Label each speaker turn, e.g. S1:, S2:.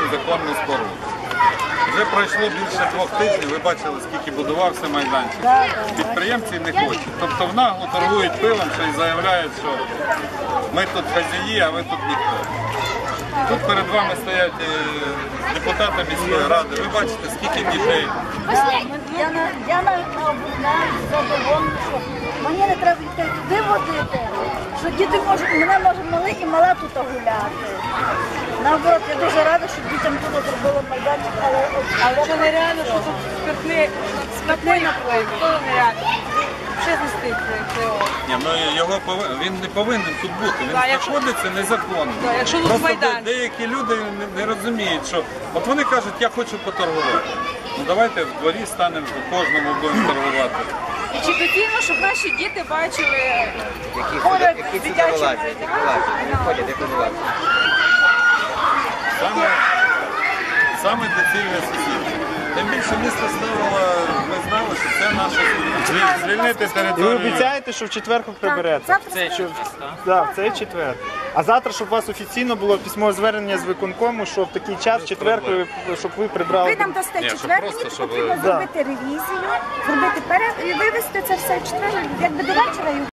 S1: законну споруду. Вже пройшло більше 2 тижнів, ви бачили, скільки будувався майданчик. Підприємці не хочуть. Тобто внагло торгують пилом, що й заявляють, що ми тут хазяї, а ви тут ніхто. Тут перед вами стоять депутати міської ради. Ви бачите, скільки дітей.
S2: Я задоволена, що мені не треба йти туди водити, що діти можуть, мене може малий і мала тут гуляти. Наоборот, я дуже рада, що дітям тут зробили майданчик, але
S3: це нереально, що тут спиртний напої, то нереально. Ще знести
S1: Ні, ну він не повинен тут бути, він знаходиться незаконно.
S3: Якщо тут майданчик.
S1: Деякі люди не розуміють, що от вони кажуть, я хочу поторгувати. Ну давайте в дворі станемо, кожному будемо торгувати.
S3: І чи потрібно, щоб наші діти бачили
S4: Які сюди вилазять, не ходять, як вилазять.
S1: Саме доцільне сусідство. Тим більше місто ставило, ми знали, що це наше звільнити
S5: І ви
S1: територію.
S5: обіцяєте, що в четвер приберете? Так, в цей четвер. А завтра, щоб у вас офіційно було письмове звернення з виконкому, що в такий час, в четвер, щоб ви прибрали.
S2: ви нам дасте
S1: Ні, щоб
S2: четвер,
S1: просто,
S2: мені
S1: щоб-
S2: потрібно зробити ревізію, зробити і вивезти це все в четвер, якби до вечора.